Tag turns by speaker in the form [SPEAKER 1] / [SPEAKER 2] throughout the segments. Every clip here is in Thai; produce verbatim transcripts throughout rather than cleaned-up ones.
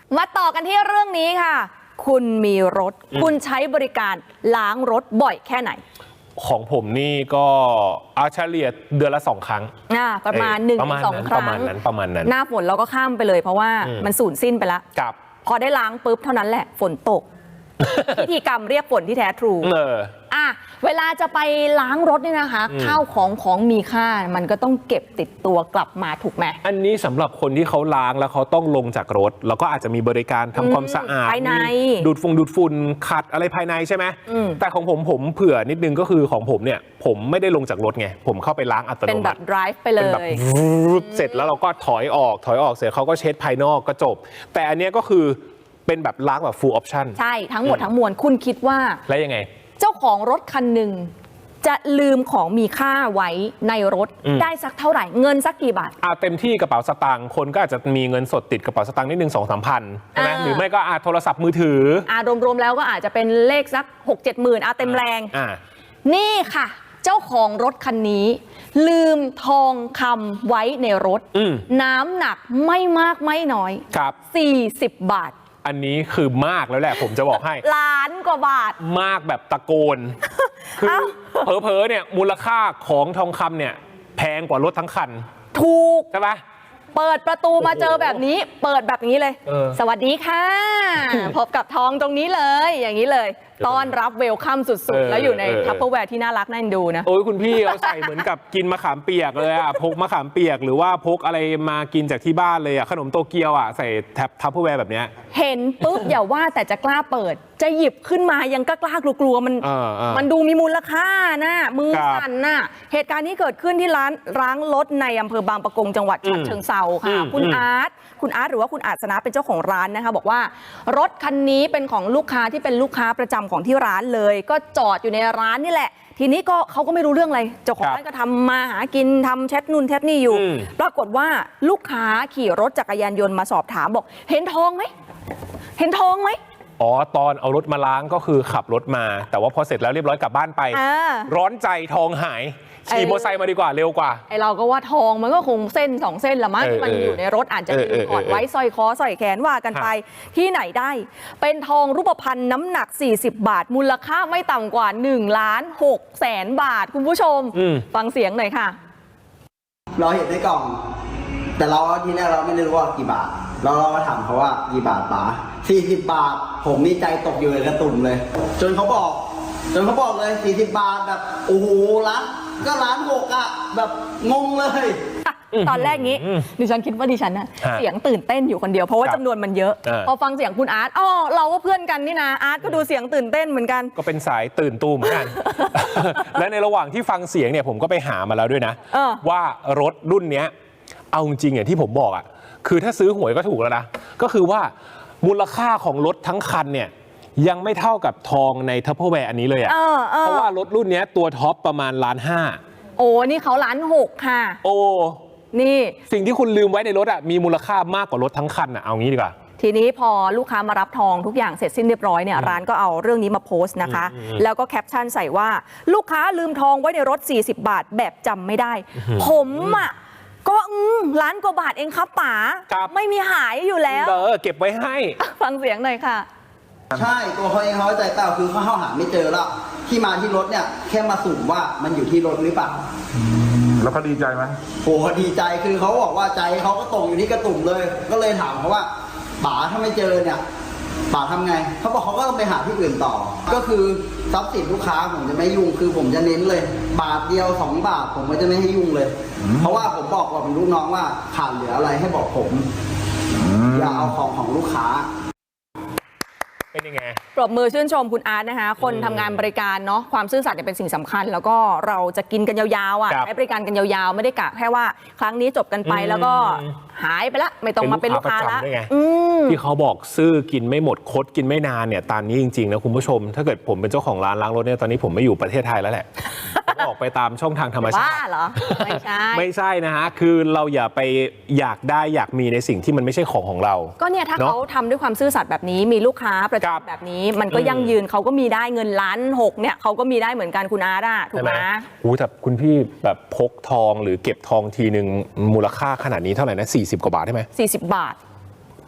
[SPEAKER 1] มาต่อกันที่เรื่องนี้ค่ะคุณมีรถคุณใช้บริการล้างรถบ่อยแค่ไหน
[SPEAKER 2] ของผมนี่ก็เอาเฉลี่ยเดือนละสองครั้ง
[SPEAKER 1] อ่าประมาณหนึ่งสองครั้ง
[SPEAKER 2] ประมาณนั้นประมาณนั้น
[SPEAKER 1] หน้าฝนเราก็ข้ามไปเลยเพราะว่ามันสูญสิ้นไปแล้วพอได้ล้างปุ๊บเท่านั้นแหละฝนตก พิธีกรรมเรียกฝนที่แท้ทรูเอออ่ะเวลาจะไปล้างรถเนี่ยนะคะข้าวของของมีค่ามันก็ต้องเก็บติดตัวกลับมาถูกไหมอั
[SPEAKER 2] นนี้สำหรับคนที่เขาล้างแล้วเขาต้องลงจากรถแล้วก็อาจจะมีบริการทำความสะอาด
[SPEAKER 1] ภายใน
[SPEAKER 2] ดูดฟงดูดฝุ่นขัดอะไรภายในใช่ไหมแต่ของผมผมเผื่อนิดนึงก็คือของผมเนี่ยผมไม่ได้ลงจากรถไงผมเข้าไปล้างอัตโนมัติ
[SPEAKER 1] เป็นแบบ drive ไปเลย
[SPEAKER 2] เสร็จแล้วเราก็ถอยออกถอยออกเสร็จเขาก็เช็ดภายนอกก็จบแต่อันนี้ก็คือเป็นแบบล้างแบบ full option
[SPEAKER 1] ใช่ทั้งหมดทั้งมวลคุณคิดว่า
[SPEAKER 2] แล้วยังไง
[SPEAKER 1] เจ้าของรถคันหนึ่งจะลืมของมีค่าไว้ในรถได้สักเท่าไหร่เงินสักกี่บาท
[SPEAKER 2] อ่าเต็มที่กระเป๋าสตางค์คนก็อาจจะมีเงินสดติดกระเป๋าสตางค์นิดนึงสองสามพันใช่ไหมหรือไม่ก็อาโทรศัพท์มือถือ
[SPEAKER 1] อ่ารวมๆแล้วก็อาจจะเป็นเลขสักหกเจ็ดหมื่นอ่าเต็มแรงอ่านี่ค่ะเจ้าของรถคันนี้ลืมทองคำไว้ในรถน้ำหนักไม่มากไม่น้อย
[SPEAKER 2] ครับ
[SPEAKER 1] สี่สิบบาท
[SPEAKER 2] อันนี้คือมากแล้วแหละผมจะบอกให้
[SPEAKER 1] ล้านกว่าบาท
[SPEAKER 2] มากแบบตะโกนคือเผลอๆเนี่ยมูลค่าของทองคำเนี่ยแพงกว่ารถทั้งคัน
[SPEAKER 1] ถูก
[SPEAKER 2] ใช่ปะ
[SPEAKER 1] เปิดประตูมาเจอแบบนี้เปิดแบบนี้เลยสวัสดีค่ะพบกับทองตรงนี้เลยอย่างนี้เลยต้อนรับเวลคัมสุดๆแล้วอยู่ในทัพเปอร์แวร์ที่น่ารักน่าดูนะ
[SPEAKER 2] โอ้ยคุณพี่เอาใส่เหมือนกับกินมะขามเปียกเลยอ่ะพกมะขามเปียกหรือว่าพกอะไรมากินจากที่บ้านเลยอ่ะขนมโตเกียวอ่ะใส่แท็บทัพเปอร์แวร์แบบเนี้ย
[SPEAKER 1] เห็นปุ๊บอย่าว่าแต่จะกล้าเปิดจะหยิบขึ้นมายังกล้ากลัวๆมันมันดูมีมูลค่านะมือสั่นน่ะเหตุการณ์นี้เกิดขึ้นที่ร้านล้างรถในอำเภอบางปะกงจังหวัดฉะเชิงเทราค่ะคุณอาร์ตคุณอาร์ตหรือว่าคุณอาจสนะเป็นเจ้าของร้านนะคะบอกว่ารถคันนี้เป็นของลูกค้าที่เป็นลูกค้าประจำของที่ร้านเลยก็จอดอยู่ในร้านนี่แหละทีนี้ก็เขาก็ไม่รู้เรื่องอะไรเจ้าของร้านก็ทำมาหากินทำแชทนู่นแชทนี่อยู่ปรากฏว่าลูกค้าขี่รถจักรยานยนต์มาสอบถามบอกเห็นทองไหมเห็นทองไหม
[SPEAKER 2] อ๋อตอนเอารถมาล้างก็คือขับรถมาแต่ว่าพอเสร็จแล้วเรียบร้อยกลับบ้านไปร้อนใจทองหายขี่มอเตอร์ไซค์มาดีกว่าเร็วกว่า
[SPEAKER 1] ไอเราก็ว่าทองมันก็คงเส้นสองเส้นละมั้งที่มันอยู่ในรถอาจจะมีถอดไว้สร้อยคอสร้อยแขนว่ากันไปที่ไหนได้เป็นทองรูปพรรณน้ำหนักสี่สิบบาทมูลค่าไม่ต่ำกว่าหนึ่งล้านหกแสนบาทคุณผู้ชมฟังเสียงหน่อยค่ะ
[SPEAKER 3] เราเห็นในกล่องแต่เราทีแรกเราไม่ได้รู้ว่ากี่บาทเราเราก็ถามเขาว่ากี่บาทป๋าสี่สิบบาทผมมีใจตกอยู่ในกระตุ่มเลยจนเขาบอกจนเขาบอกเลยสี่สิบบาทแบบโอ้โหร้านก็ร้านหกอะแบบงงเลย
[SPEAKER 1] ตอนแรกนี้ดิฉันคิดว่าดิฉันน่ะเสียงตื่นเต้นอยู่คนเดียวเพราะว่าจำนวนมันเยอะพอฟังเสียงคุณอาร์ตอ๋อเราก็เพื่อนกันนี่นะอาร์ตก็ดูเสียงตื่นเต้นเหมือนกัน
[SPEAKER 2] ก็เป็นสายตื่นตูมเหมือนกันและในระหว่างที่ฟังเสียงเนี่ยผมก็ไปหามาแล้วด้วยนะว่ารถรุ่นเนี้ยเอาจริงอย่างที่ผมบอกอ่ะคือถ้าซื้อหวยก็ถูกแล้วนะก็คือว่ามูลค่าของรถทั้งคันเนี่ยยังไม่เท่ากับทองในทัพเปอร์แวร์อันนี้เลยอ่ะเพราะว่ารถรุ่นนี้ตัวท็อปประมาณล้านห้า
[SPEAKER 1] โอ้นี่เขาล้านหกค่ะ
[SPEAKER 2] โอ้
[SPEAKER 1] นี่
[SPEAKER 2] สิ่งที่คุณลืมไว้ในรถอ่ะมีมูลค่ามากกว่ารถทั้งคันอ่ะเอางี้ดีกว่า
[SPEAKER 1] ทีนี้พอลูกค้ามารับทองทุกอย่างเสร็จสิ้นเรียบร้อยเนี่ยร้านก็เอาเรื่องนี้มาโพสต์นะคะแล้วก็แคปชั่นใส่ว่าลูกค้าลืมทองไว้ในรถสี่สิบบาทแบบจำไม่ได้ผมอ่ะก็ล้านกว่าบาทเองครับป๋าไม่มีหายอยู่แล้ว
[SPEAKER 2] เออเก็บไว้ให้
[SPEAKER 1] ฟังเสียงหน่อยค่ะ
[SPEAKER 3] ใช่ตัวเขาเองเขาใจเปล่าคือเขาเข้าหาไม่เจอแล้วที่มาที่รถเนี่ยแค่มาสุ่มว่ามันอยู่ที่รถหรือเปล่า
[SPEAKER 4] แล้วเขาดีใจไหม
[SPEAKER 3] โอ้ดีใจคือเขาบอกว่าใจเขาก็ตกอยู่ที่กระตุ่มเลยก็เลยถามเขาว่าป๋าถ้าไม่เจอเนี่ยป๋าทำไงเขาบอกเขาก็ต้องไปหาที่อื่นต่อก็คือทรัพย์สินลูกค้าผมจะไม่ยุ่งคือผมจะเน้นเลยบาทเดียวสองบาทผมก็จะไม่ให้ยุ่งเลยเพราะว่าผมบอกกับลูกน้องว่าขาดเหลืออะไรให้บอกผมอย่าเอาของของลูกค้า
[SPEAKER 2] เป็นยังไง
[SPEAKER 1] ปรบมือชื่นชมคุณอาร์ตนะคะคนทำงานบริการเนาะความซื่อสัตย์เป็นสิ่งสำคัญแล้วก็เราจะกินกันยาวๆอ่ะใช้บริการกันยาวๆไม่ได้กะแค่ว่าครั้งนี้จบกันไปแล้วก็หายไปละไม่ต้องมาเป็นลูกค้าละ
[SPEAKER 2] ที่เขาบอกซื้อกินไม่หมดคดกินไม่นานเนี่ยตามนี้จริงๆนะคุณผู้ชมถ้าเกิดผมเป็นเจ้าของร้านล้างรถเนี่ยตอนนี้ผมไม่อยู่ประเทศไทยแล้วแหละออกไปตามช่องทางธรรมชาติ
[SPEAKER 1] บ้าเหรอไม่ใช่
[SPEAKER 2] ไม่ใช่นะฮะคือเราอย่าไปอยากได้อยากมีในสิ่งที่มันไม่ใช่ของของเรา
[SPEAKER 1] ก็เนี่ยถ้าเขาทำด้วยความซื่อสัตย์แบบนี้มีลูกค้าประจำแบบนี้มันก็ยั่งยืนเขาก็มีได้เงินล้านหกเนี่ยเขาก็มีได้เหมือนกันคุณอาร์ตอะถูกไหม
[SPEAKER 2] โอ้แต่คุณพี่แบบพกทองหรือเก็บทองทีหนึ่งมูลค่าขนาดนี้เท่าไหร่นะสี่สิบกว่าบาทใช่ไหม
[SPEAKER 1] สี่สิบบาท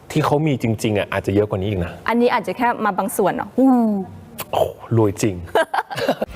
[SPEAKER 2] ที่เขามีจริงๆอ่ะอาจจะเยอะกว่านี้อีกนะ
[SPEAKER 1] อันนี้อาจจะแค่มาบางส่วนเนาะ
[SPEAKER 2] โอ้รวยจริง